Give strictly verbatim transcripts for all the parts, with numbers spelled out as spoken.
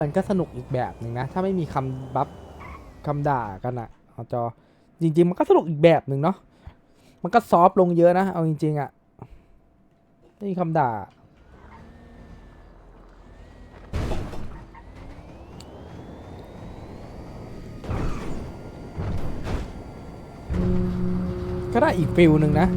มันก็สนุกอีกแบบหนึ่งนะถ้าไม่มีคำบัฟคำด่ากันอะเอาจอจริงๆมันก็สนุกอีกแบบหนึ่งเนาะมันก็ซอฟต์ลงเยอะนะเอาจริงๆอะไม่มีคำด่าก็ได้อีกฟิลหนึ่งนะ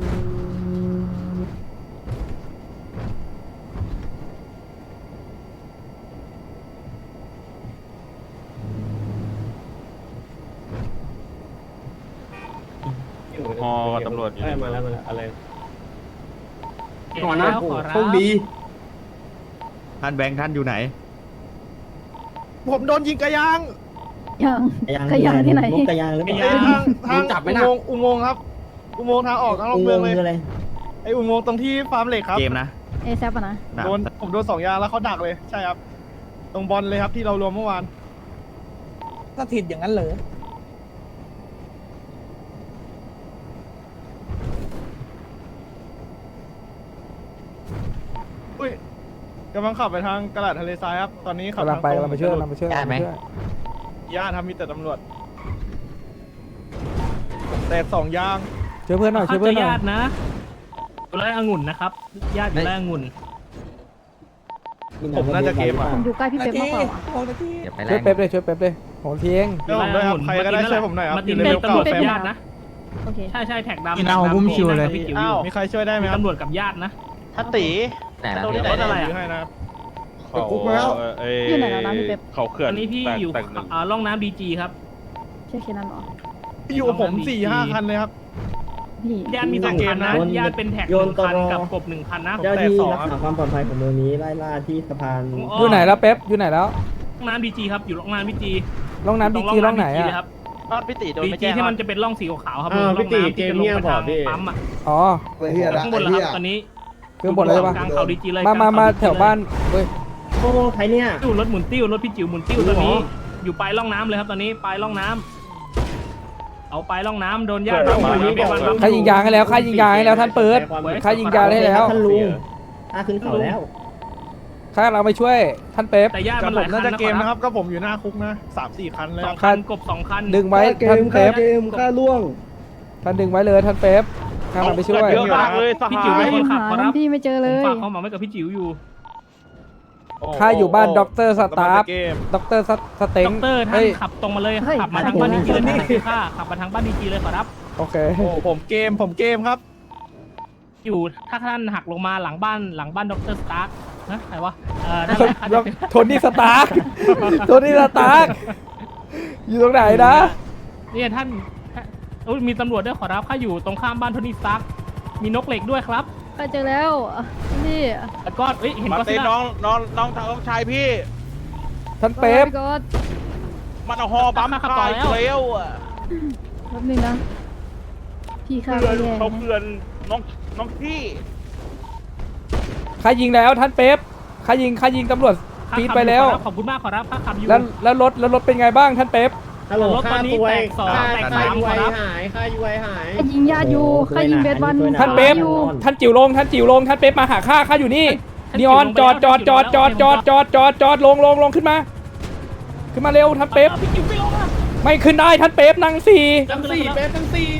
ฮอกับตำรวจอยู่ในเมืองมาแล้วมาแล้วอะไรก่อนนะโชคดีท่านแบงค์ท่านอยู่ไหนผมโดนยิงกระยางยังยางขยะที่ไหนมุกกระยางหรือเปล่าทางทางจับไหมอุนะโมงค์อุโมงค์ครับ อุโมงค์ทางออกทางลอุงโมเมืองงค์เลยคืออะไรไออุโมงค์ตรงที่ฟาร์มเหล็กครับเกมนะเอแซปอะนะนะโดนผมโดนสองยางแล้วเขาดักเลยใช่ครับ ตรงบอลเลยครับที่เรารวมเมื่อวานสถิตอย่างนั้นเหรออุ้ยกำลังขับไปทางกระดาษทะเลทรายครับ ตอนนี้ขับกำลังไปทกำลังไปช่วยกำลังไปช่วยกำลังไปช่วยญาติทำมีแต่ตำรวจแต่สองยางช่วยเพื่อนหน่อยช่วยเพื่อนหน่อยญาตินะอยู่ไร่องุ่นนะครับญาติอยู่ไร่องุ่นผมน่าจะเกมอ่ะผมอยู่ใกล้พี่เป๊ปมากกว่าหกนาทีช่วยเป๊ปเลยช่วยเป๊ปเลยของเทียงช่วยผมด้วยครับใครก็ได้ช่วยผมหน่อยครับมาอติยู่นในเป็เร็นวตำรวจเก่ากับแฟมญาตินะโอเคใช่ใช่แท็กดำกินเอาบุ้มชิวเลยพี่จิ๋วออ้าวยู่มีใครช่วยได้ไหมมีครับตำรวจกับญาตินะถ้าตีไหนนะตรงนี้รถอะไรยื้อ่ะให้นะครับติดคุกมาแล้วอยู่ไหนแล้วนะพี่เป๊ปเขาเขื่อนตอนนี้พี่อยู่อ่าร่องน้ำดีจีครับใช่แค่นั้นเหรออยู่กับผมสี่ห้าคันเลยครับพี่ญาติมีสองคันนะญาติเป็นแท็กหโยนนึ่งตคันรกับกบหนึ่งคันนะเจ้าที่รักษาความปลอดภัยของเมืองนี้ไล่ล่าที่สะพานอยู่ไหนแล้วเป๊ปอยู่ไหนแล้วร่องน้ำดีจีครับอยู่ร่องน้ำดีจีร่องน้ำดีจีร่องไหนอะครับบ้านพี่ตีโดนดีไม่จีแจ้งที่มันจะเป็นร่องสีขาวๆครับอ้าวร่พี่องตีน้ำเกที่มจะลงเงียบไปบอทาก งพี่ปั๊มอ่ะอ๋อเฮียละข้างบนแล้วครับตอนนี้เครื่องบดอะไรปะกลางเขาดีจีเลยมามามาแถวบ้านเว้ยโอ้โหใครเนี่ยติ้วรถหมุนติ้วรถพี่จิ๋วหมุนติ้วตอนนี้ อยู่ปลายร่องน้ำเลยครับตอนนี้ปลายร่องน้ำเอาปลายร่องน้ำโดนญาติเปิดออกมาโดนญาติใครยิงยางให้แล้วใครยิงยางให้แล้วท่านเปิดใครยิงยางให้แล้วท่านลุงถ้าขึ้นเขาแล้วข้าเราไปช่วยท่านเป๊ปแต่ญาติกับมันหผลาม ยคัน่าน จะเกมนะครับ ก็ผมอยู่หน้าคุกนะสามสี่คันเลยสคอรับงคันกบสองคันดึงไว้ท่านเป๊ปเกมค่าล่วงท่านดึงไว้เลยท่านเป๊ปข้าเราไปช่วยเยอะมากเลยสพี่หาจิ๋วเป็นยคนขับหาขอท่ารันบพี่ไม่เจอเลผมยฝากความหวังไว้กับพี่จิ๋วอยู่ข้าอยู่บ้านด็อกเตอร์สตาฟเกมด็อกเตอร์สเต็ด็งอกเตอร์ท่านเฮ้ยขับตรงมาเลยเฮ้ยขับมาทางบ้านดีจีเลยท่านคือข้าขับมาทางบ้านดีจีเลยขอรับโอเคโอ้ผมเกมผมเกมครับอยู่ถ้าท่านหักลงมาหลังบ้านหลังบ้านด็อกเตอร์สตาร์นะใครวะเออนั่นแหละครับโทนี่สตาร์กโทนี่สตาร์กอยู่ตรงไหนนะเนี่ยท่านโอ้ยมีตำรวจด้วยขอรับข้าอยู่ตรงข้ามบ้านโทนี่สตาร์มีนกเหล็กด้วยครับก็เจอแล้วพี่แล้วก็เอ้ยเห็นมาก็ตีซิล่าน้องน้องน้องน้องชายพี่ท่านเป๊ปก็มันเอาฮอบัมคายเร็วอ่ะแป๊บนึงนะ พี่ข้าเพื่ไปอนแย่เขาเพื่อนน้องน้องพี่ใครยิงแล้วท่านเป๊ปใครยิงใครยิงตำรวจข้าปีดขับไปแล้วอยู่ขอรับขอบคุณมากขอรับข้าขับอยู่แล้วแล้วรถแล้วรถเป็นไงบ้างท่านเป๊ปฮัลโหลรถตค่าอนนี้ตัวแตกสองค่าแตกค่าสามยูไอครับหายค่ายูไอหายข้ายิงญาติอยู่ข้ายิงเบสวันท่านเป๊ปอยู่ท่านจิ๋วลงท่านจิ๋วลงท่านเป๊ปมาหาข้าข้าอยู่นี่นีออนจอดจอดจอดจอดจอดจอดจอดจอดลงลงลงขึ้นมา ขึ้นมาเร็วท่านเป๊ปพี่จิ๋วไม่ลงอ่ะไม่ขึ้นได้ท่านเป๊ปนั่งสี่ทั้งสี่เป๊ปทั้งสี่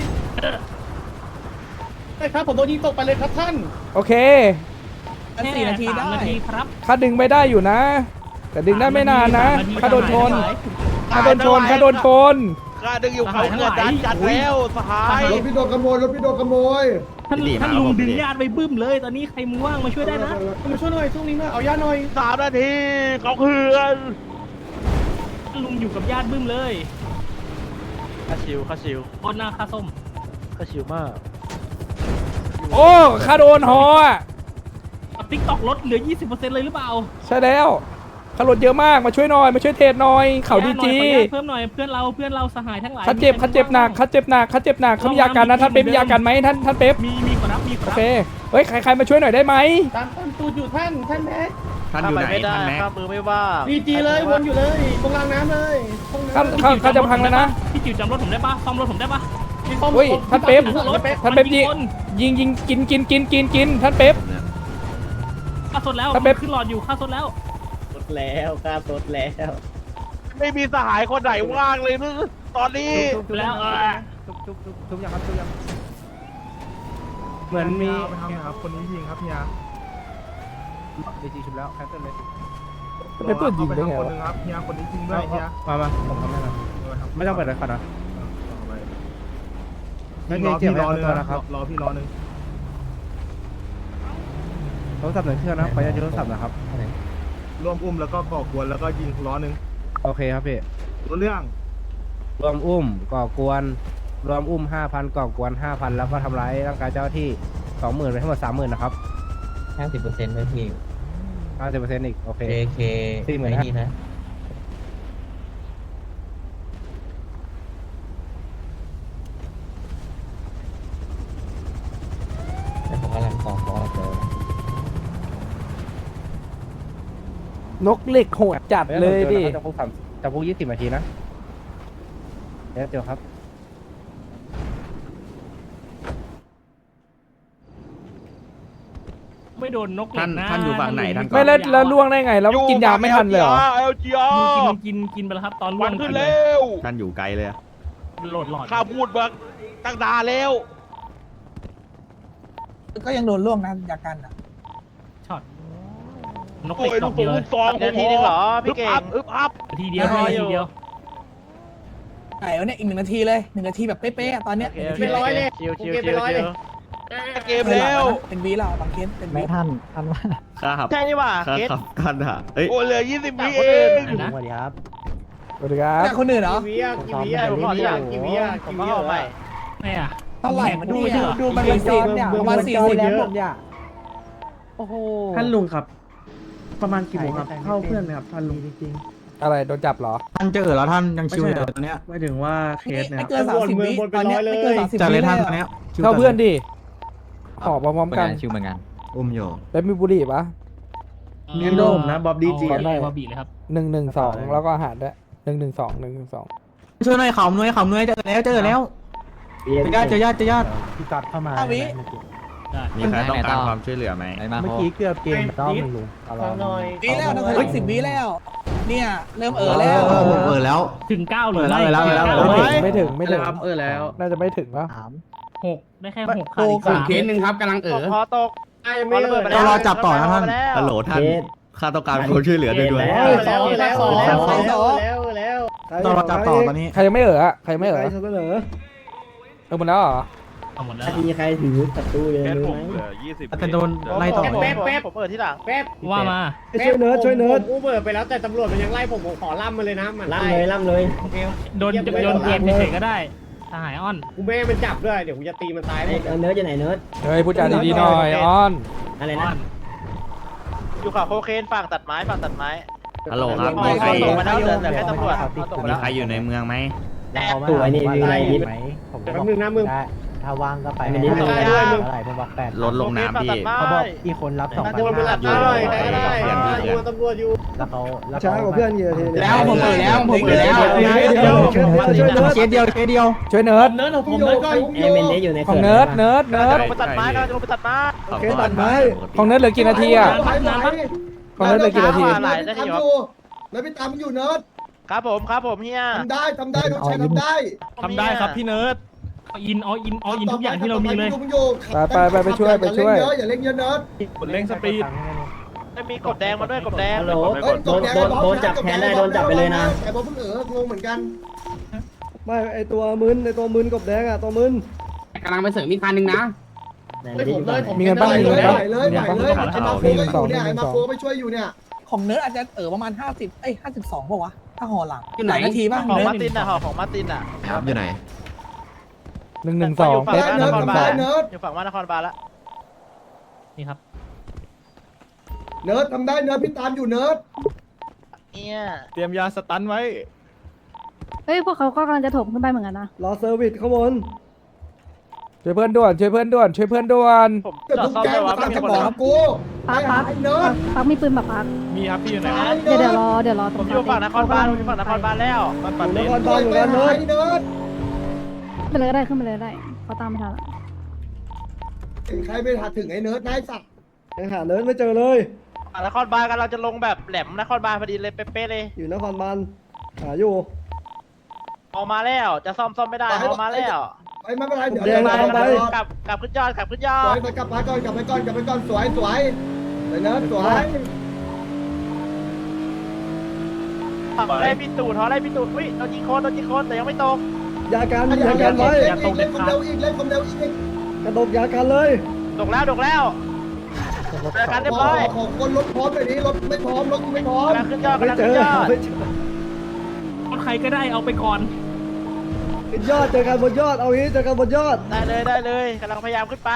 ใช่ครับผมโดนยิงตกไปเลยครับท่านโอเคอันสี่นาทีได้แค่สมนาทีครับข้าดึงไม่ได้อยู่นะ แต่ดึงได้ไม่นานนะสามนาทีข้าโดนชนสามนาทีข้าโดนชนข้าโดนชนข้าดึงอยู่เขาเกิดดันจัดแล้วสหายรถพี่โดนขโมยรถพี่โดนขโมยท่านดีมากท่านลุงครับผมดึงญาติไปบึ้มเลย ตอนนี้ใครมึงว่างมาช่วยได้นะมาช่วยหน่อยช่วงนี้หน่อยเอาย่าหน่อยสามนาทีเขาเพื่อนท่านลุงอยู่กับญาติบึ้มเลยข้าชิวข้าชิวโคตรหน้าค่าส้มข้าชิวมากโอ้ข้าโดนหออ่ะติ๊กตอกลดเหลือ ยี่สิบเปอร์เซ็นต์ เลยหรือเปล่าใช่แล้วข้ารถเยอะมากมาช่วยหน่อยมาช่วยเทรดหน่อยเขาดีจีขออนุญาตเพิ่มหน่อยเพื่อนเราเพื่อนเราสหายทั้งหลายเขาเจ็บเขาเจ็บหนักเขาเจ็บหนักเขาเจ็บหนักเขามียากันนะท่านเป๊ปมียากันไหมท่านท่านเป๊ปมีมีขอรับมีขอโอรับเคเฮ้ยใครใครมาช่วยหน่อยได้ไหมตามตามตูดอยู่ท่านท่านแม็กท่านอยู่ไหนไม่ได้ท่านแม็กข้ามือไม่ว่าดีจีเลยวนอยู่เลยตรงรางน้ำเลยห้องข้าน้ำข้าข้าจะพังแล้วนะพี่จิ๋วจำรถผมได้ปะซ่อมรถผมได้ปะเฮ้ยท่านเป๊ปรถท่านเป๊ปยิงคนยิงยิงกินกินกินกินกินท่านเป๊ปค่าสดแล้วท่านเป๊ปขึ้นหลอดอยู่ค่าสดแล้วแล้วค่าสดแล้วไม่มีสหายคนไหนว่างเลยนึกตอนนี้แล้วเออทุบยังครับทุบยังเหมือนมีไปทำนะครับคนนี้ยิงครับเฮียเดจีชุบแล้วแคนเซิลเลยเป็นปืนยิงได้ไงคนวะนึงครับเฮียคนนี้ยิงด้วยเฮียมามาผมทำได้แล้วไม่ต้องเปิดเลยครับนะพี่รอพี่รอเลยนะครับรอพี่รอหนึ่งโทรศัพท์หนึ่งเครื่องนะขออนุญาตโทรศัพท์นะครับร่วมอุ้มแล้วก็ก่อกวนแล้วก็ยิงล้อหนึ่งโอเคครับพี่รู้เรื่องรวมอุ้มก่อกวนรวมอุ้มห้าพันก่อกวนห้าพันแล้วก็ทำร้ายร่างกายเจ้าหน้าที่สองหมื่นไปทั้งหมดสามหมื่นนะครับห้าสิบเปอร์เซ็นต์ไหมพี่ห้าสิบเปอร์เซ็นต์อีกโอเคเอเคสี่หมื่นไม่ห้านี่นะแต่ผมกำลังกองฟอสเจอนกเหล็กโหดจัดเลยดิจำคุกสามจำคุกยี่สิบนาทีนะเดี๋ยวเจอครับไม่โดนนกเหล็ท่านกนะท่านอยู่ฝั่งไหนท่านไม่แล้วแล้วล่วงได้ไง แล้วกินยาไม่ทันเลยเหรอเอลจีอาร์กินกินกินไปแล้วครับ ตอนล่วัวน งขึ้นเลเร็ยวท่านอยู่ไกลเลยอะโหลดหลอดข้าพูดมาตั้งนานแล้วก็ยังโดนล่วงนะจากกันอ่ะช็อตนกเหโอ้ล็กยดลูอก กผเดีมยวลูกซองผมทีนึงเหรอพี่เก่งอึบอัพทีเดียวไม่ทีเดียวไหนวะเนี่ยอีกหนึ่งนาทีเลยหนึ่งนาทีแบบเป๊ะๆอะตอนเนี้ยเป็นร้อยเลยโอเคเป็นร้อยเลยเกมแล้วเป็นวีแล้วบางเคสเป็นวีไม่ทันทันว่าข้าขับใช่นี่หว่าข้าเกตขับท่านอะเอ้ยโอ้เหลือยี่สิบวิเองนะสวัสดีครับสวัสดีครับแต่คนอื่นเหรอกี่วิอ่ะกี่วิอ่ะผมขอที่หลังกี่วิอ่ะกี่วิอ่ะไม่อะเท่าไหร่มันดูไม่ดูอะดูมันเป็นสี่ประมาณสี่สิบโอ้โหท่านลุงครับ ประมาณกี่โมงครับเข้าเพื่อนไหมครับท่านลุงจริงอะไรโดนจับเหรอท่านเจอแล้วท่านยังๆชิวอยู่ตอนเนี้ยไม่ถึงว่าเคสเนี่ยไม่เกินสามสิบวิตอนเนี้ยไม่เกินสามสิบจัดวิเลยเลท่านยตอนเนี้ยเข้าเพื่อนดิหอบพร้อมๆกันชิวเหมือนกันอุ้มอยู่แล้วมีบุหรี่ปะเนียนโดมนะบ๊อบดีจีเอาเอาบอบบี้เลยครับหนึ่งหนึ่งสองแล้วก็อาหารด้วยหนึ่งหนึ่งสองหนึ่งหนึ่งสองช่วยหน่อยเขาหน่อยเขาหน่อยเจอแล้วเจอแล้วเจอญาติเจอญาติเจอญาติพี่ตัดเข้ามาห้าวิได้มีใครต้องการความช่วยเหลือไหมเมื่อกี้เกือบเกมรอบหนึ่งลุงฟังหน่อยวิแล้วนะถึงสิบวิแล้ว เนี่ยเริ่มเออแล้วเออแล้วถึงเก้าหรือไม่เออแล้วเออแล้วไม่ถึงไม่ถึงไม่ถึงครับเออแล้วน่าจะไม่ถึงปะหกได้แค่หกขาดอีกสามเคสหนึ่งครับกำลังเออพอตกไอ้ไม่เลยเรารอจับต่อนะท่านฮัลโหลท่านข้าต้องการความช่วยเหลือด้วยด้วยแล้วแล้วแล้วแล้วแล้วแล้วต้องรอจับต่อตอนนี้ใครยังไม่เอออะใครยังไม่เออใครเสนอเออหมดแล้วเหรอเอาหมดแล้วมีใครถือศัตรูเลยแกนรู้ผมไหมเหลือยี่สิบจะโดนไล่ต่อแป๊บแป๊บผมเปิดที่หลังแป๊บว่ามาช่วยเนิร์ดช่วยเนิร์ดผมอู้เบิร์ไปแล้วแต่ตำรวจมันยังไล่ผมผมขอล่ำมาเลยนะมันล่ำเลยล่ำเลยโอเคโดนโดนเกมเฉยๆก็ได้ทหารอ้อนกูไม่ให้มันจับด้วยเดี๋ยวกูจะตีมันตายหมดเนิร์ดจะไหนเนิร์ดเฮ้ยพูดจาดีๆหน่อยอ้อนอะไรอ้อนะนอยู่กับโคเคนฝั่งตัดไม้ฝั่งตัดไม้ฮัลโหลครับไม่มีใครส่งมาแล้วเหลือเหลือแค่ตำรวจเอาตกไปมีแล้วใครอยู่ในเมืองไหมตัวนี้มีอะไรนิดแป๊บนึงนะมึงถ้าว่างก็ไปไม่ได้ต่อได้ด้วยมึงอะไรผมบอกแปดลดลงน้ำพี่เขาบอกอีคนรับสองพันโดนไปหลับได้ใครก็ได้ดูตำรวจอยู่แล้วเขาช้ากว่าเพื่อนเยอะทีแล้วผมเออแล้วผมเออแล้วเคสเดียวเคสเดียวช่วยเนิร์ดเนิร์ดของผมเนิร์ดก่อนเอเมนเดอยู่ในของเนิร์ดเนิร์ดเนิร์ดลงไปตัดไม้นะลงไปตัดไม้โอเคตัดไม้ของเนิร์ดเหลือกี่นาทีอะของเนิร์ดเหลือกี่นาทีหลายนาทีครับแล้วพี่ตามอยู่เนิร์ดครับผมครับผมเฮียทำได้ทำได้น้องชายทำได้ทำได้ครับพี่เนิร์ดเอาอินเอาอินเอาอินทุกอย่างที่เรามีเลยไปไปไปไปช่วยไปช่วยอย่าเล่นเยอะเนิร์ดกดเร่งสปีดไม่มีกบแดงมาด้วยกบแดงฮัลโหลโดนโดนโดนจับแทนได้โดนจับไปเลยนะแต่บอลเพิ่งเอองงเหมือนกันไม่ไอตัวมึนไอตัวมึนกบแดงอ่ะตัวมึนกำลังไปเสริมอีกคันนึงนะไม่ผมเลยผมมีเงินบ้างมีเงินไหบ้างวเลยไหวเลยมีไอ้เงินมาบ้างโฟมีก็เงินอสองยู่มีเนี่ยเงิไอ้นมาสองโฟไปช่วยอยู่เนี่ย ของเนิร์ดอาจจะเออประมาณห้าสิบเอ้ยห้าสิบสองป่ะวะ ถ้าห่อหลังอยู่ไหนนาทีป่ะของเนิร์มาดตินอ่ะหอของมาตินอ่ะครับอยู่ไหนหนึ่งหนึ่งสองอยู่เป๊ะฝั่งหว่านหนนึ่คงรสองบาลอยู่ฝั่งว่านครบาลละนี่ครับเนิร์ดทำได้เนิร์ดพี่ตามอยู่เนิร์ดเนี่ยเตรียมยาสตันไว้เฮ้ยพวกเขาก็กำลังจะถมขึ้นไปเหมือนกันนะรอเซอร์วิสข้างบนช่วยเพื่อนด่วนช่วยเพื่อนด่วนช่วยเพื่อนด่วนผมเกิดจอดทุกซ่อมแก๊เลงยวะมาไม่ตามมีจะคนบอกเลยกูปักปักไอ้เนิร์ดปักมีปืนปักปักมีครับพี่อยู่ไหนไอ้เดี๋ยวเนิเดี๋ยวร์ดรอเดี๋ยวรอผมอยู่ฝั่งนครบาลผมอยู่ฝั่งนครบาลแล้วมันอปัดยู่เลนนครบาลอยู่ไปแล้วไหนเนิร์ดเนิร์ดขึ้นไปเลยก็ได้ขึ้นไปเลยก็ได้เขาตามไม่ทันละถึงใครไม่ทันถึงไอ้เนิร์ดนายสัตว์ยังหาเนิร์ดไม่เจอเลยไนครบาลกันเราจะลงแบบแหลมนครบาลพอดีเลยเป๊ะๆเลยอยู่นครบาลหาอยู่ออกมาแล้วจะซ่อมซ่อมไม่ได้ออกมาแล้วไปไม่เป็นไรเดี๋ยวเดี๋ยวไปเดี๋ยวเดี๋ยวกลับกลับขึ้นยอดกลับขึ้นยอสวดยไปกลับไปก่อนกลับไปก่อนกลับไปก่อนสวยสวยไปเนิร์ดสวยทำได้พี่ตูดทอได้พี่ตูดอุ้ยโดนยิงโคนโดนยิงโคนแต่ยังไม่ตกยากันยากันไว้เล่นเล่นคนเร็วอีกเล่นคนเร็วอีกกระดกยากันเลยตกแล้วตกแล้วเจอกันเรียบร้อยของคนรถพร้อมเลยนี้รถไม่พร้อมรถไม่พร้อมกำลังขึ้นยอดไม่กำลังเจขึ้อนยอดไม่เจอใครก็ได้เอาไปก่อนขึ้นยอดเจอกันบนยอดเอางี้เจอกันบนยอดได้เลยได้เลยกำลังพยายามขึ้นไป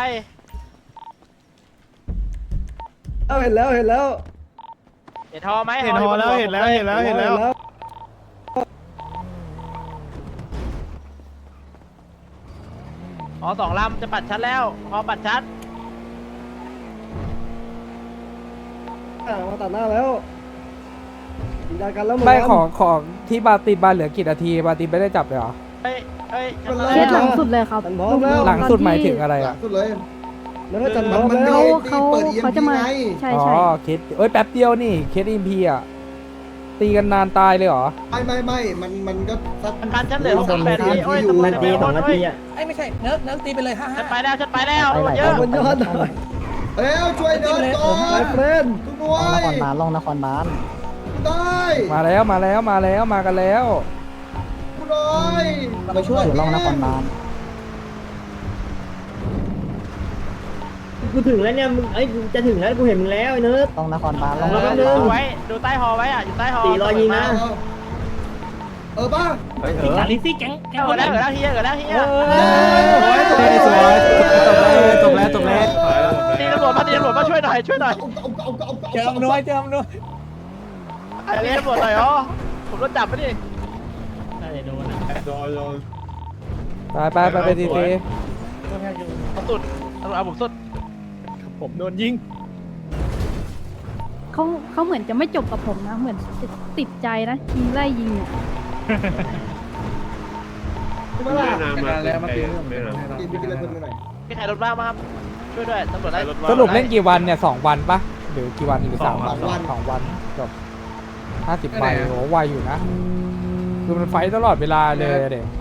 เอาเห็นแล้วเห็นแล้วเห็นทอไหมเห็นฮอแล้วเห็นแล้วเห็นแล้วเห็นแล้วอ๋อสองลำจะปัดชัดแล้วพอปัดชัดอ่ะมาตัดหน้าแล้วยิงยากันแล้วงไม่ของของที่บาตินบาเหลือกี่นาทีบาตินไม่ได้จับเลยเหรอเฮ้ยเฮ้ยเคสหลังสุดเลยครับตันพร้อมแล้วหลังสุดหมายถึงอะไรอ่ะสุดเลยแล้วก็จันพร้อมมันแล้ไม่วเขาเขาเขาจะมาใช่อ๋อใช่เคสเอ้ยแป๊บเดียวนี่เคสอิมพีอ่ะตีกันนานตายเลยเหรอไม่ไม่ไม่มันมันก็สักการฉันเหลือหกสิบแปดทีโอ้ยนาทีสองนาทีอ่ะไอ้ยไม่ใช่เนิร์ดเนิร์ดตีไปเลยห้าฉัห้านไปแล้วฉันไปแล้วเยอะบนยอดหน่อยเร็วช่วยเดินก่อไมนเฟรนทุกหน่วยลงนครบาลได้มาแล้วมาแล้วมาแล้วมากันแล้วทุกหน่วยเราไปช่วยลงนครบาลกูถึงแล้วเนี่ยมึงเอ้ยจะถึงแล้วกูเห็นมึงแล้วไอ้เนิร์ดลงนครบาลลงแล้วแป๊บนึงดูไว้ดูใต้หอไว้อ่ะอยู่ใต้หอสี่รอยยิงนะเออป่ะอาลิซี่แก๊งแก๊งเกิดแล้วเกิดแล้วเฮียเกิดแล้วเฮียสวยสวยจบแล้วจบแล้วตีตำรวจมาตีตำรวจมาช่วยหน่อยช่วยหน่อยเจิมด้วยเจิมด้วยไอ้เรียกตำรวจหน่อยอ๋อผมโดนจับไปดิไปไปไปไปทีทีผมสุดตำรวจเอาผมสุดผมโดนยิงเขาเขาเหมือนจะไม่จบกับผมนะ เหมือนจะติดใจนะยิงไล่ยิงอ่ะมาแล้วมาตีเรื่องกินไปกินอะไรเพิ่มหน่อยมีใครรถบ้างมั้งครับช่วยด้วยตำรวจไล่สรุปเล่นกี่วันเนี่ยสองวันปะหรือกี่วันหรือสามวันสองวันจบห้าสิบใบโหไวอยู่นะคือมันไฟตลอดเวลาเลยเด็ก